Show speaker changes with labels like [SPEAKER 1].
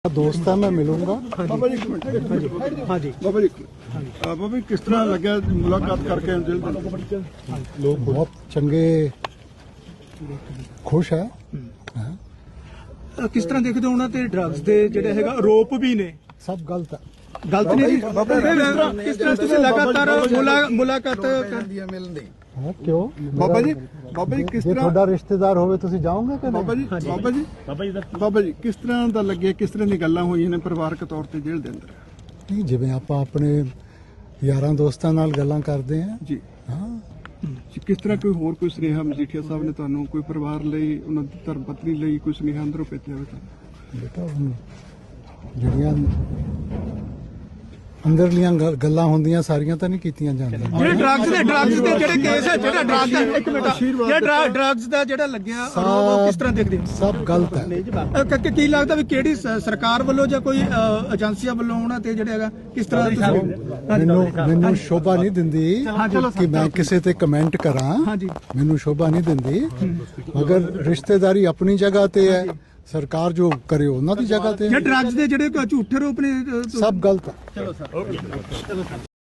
[SPEAKER 1] दोस्त है, मैं मिलूंगा।
[SPEAKER 2] बाबा जी हाँ जी बाबा जी किस तरह लगे मुलाकात करके
[SPEAKER 1] लोग बहुत चंगे खुश है।
[SPEAKER 3] किस तरह देखते हो उन्होंने ड्रग्स के ਜਿਹੜੇ ਹੈਗਾ ਆਰੋਪ ਵੀ ਨੇ
[SPEAKER 1] सब गलत है।
[SPEAKER 3] गलत नहीं किस तरह ਤੁਸੀਂ लगातार मुलाकात
[SPEAKER 1] हाँ, क्यों
[SPEAKER 2] बाबा जी किस
[SPEAKER 1] ये
[SPEAKER 2] तरह
[SPEAKER 1] थोड़ा रिश्तेदार होवे तुसी जाओगे कि
[SPEAKER 2] बाबा
[SPEAKER 1] नहीं?
[SPEAKER 2] जी किस तरह ਦਾ ਲੱਗੇ ਕਿਸ ਤਰ੍ਹਾਂ ਦੀ ਗੱਲਾਂ ਹੋਈਆਂ ਨੇ ਪਰਿਵਾਰਕ ਤੌਰ ਤੇ ਜੇਲ੍ਹ ਦੇ ਅੰਦਰ
[SPEAKER 1] नहीं जिवें आपां अपने यारां दोस्तां नाल गल्लां करदे हैं।
[SPEAKER 2] ਜੀ
[SPEAKER 1] हाँ
[SPEAKER 2] ਕਿਸ ਤਰ੍ਹਾਂ ਕੋਈ ਸੁਨੇਹਾ ਮਜੀਠੀਆ ਸਾਹਿਬ ਨੇ ਤੁਹਾਨੂੰ ਕੋਈ ਪਰਿਵਾਰ ਲਈ ਉਹਨਾਂ ਦੀ ਧਰਮ ਪਤਨੀ ਲਈ ਕੋਈ ਸੁਨੇਹਾ ਅੰਦਰੋਂ ਭੇਜਿਆ ਹੋਵੇ ਤਾਂ
[SPEAKER 1] बेटा हुण ਜਿਹੜੀਆਂ ਅੰਦਰਲੀਆਂ ਗੱਲਾਂ ਹੁੰਦੀਆਂ ਸਾਰੀਆਂ ਤਾਂ ਨਹੀਂ ਕੀਤੀਆਂ ਜਾਂਦੀਆਂ।
[SPEAKER 3] ਜਿਹੜੇ ਡਰੱਗਸ ਦੇ ਜਿਹੜੇ ਕੇਸ ਹੈ ਜਿਹੜਾ ਡਰੱਗ ਦਾ ਇੱਕ ਮਿੰਟ ਜਿਹੜਾ ਡਰੱਗਸ ਦਾ ਜਿਹੜਾ ਲੱਗਿਆ ਉਹ ਕਿਸ ਤਰ੍ਹਾਂ ਦੇਖਦੇ ਹੋ?
[SPEAKER 1] ਸਭ ਗਲਤ ਹੈ।
[SPEAKER 3] ਕੀ ਲੱਗਦਾ ਵੀ ਕਿਹੜੀ ਸਰਕਾਰ ਵੱਲੋਂ ਜਾਂ ਕੋਈ ਏਜੰਸੀਆਂ ਵੱਲੋਂ ਉਹਨਾਂ ਤੇ ਜਿਹੜਾ ਹੈਗਾ ਕਿਸ ਤਰ੍ਹਾਂ
[SPEAKER 1] ਮੈਨੂੰ ਸ਼ੋਭਾ ਨਹੀਂ ਦਿੰਦੀ ਕਿ ਮੈਂ ਕਿਸੇ ਤੇ ਕਮੈਂਟ ਕਰਾਂ। ਮੈਨੂੰ ਸ਼ੋਭਾ ਨਹੀਂ ਦਿੰਦੀ, ਮਗਰ ਰਿਸ਼ਤੇਦਾਰੀ ਆਪਣੀ ਜਗ੍ਹਾ ਤੇ ਹੈ, ਸਰਕਾਰ ਜੋ ਕਰੇ ਉਹਨਾਂ ਦੀ ਜਗ੍ਹਾ ਤੇ।
[SPEAKER 3] ਡਰੱਗਸ ਦੇ ਜਿਹੜੇ ਝੂਠੇ ਰੂਪ ਨੇ
[SPEAKER 1] ਸਭ ਗਲਤ ਹੈ।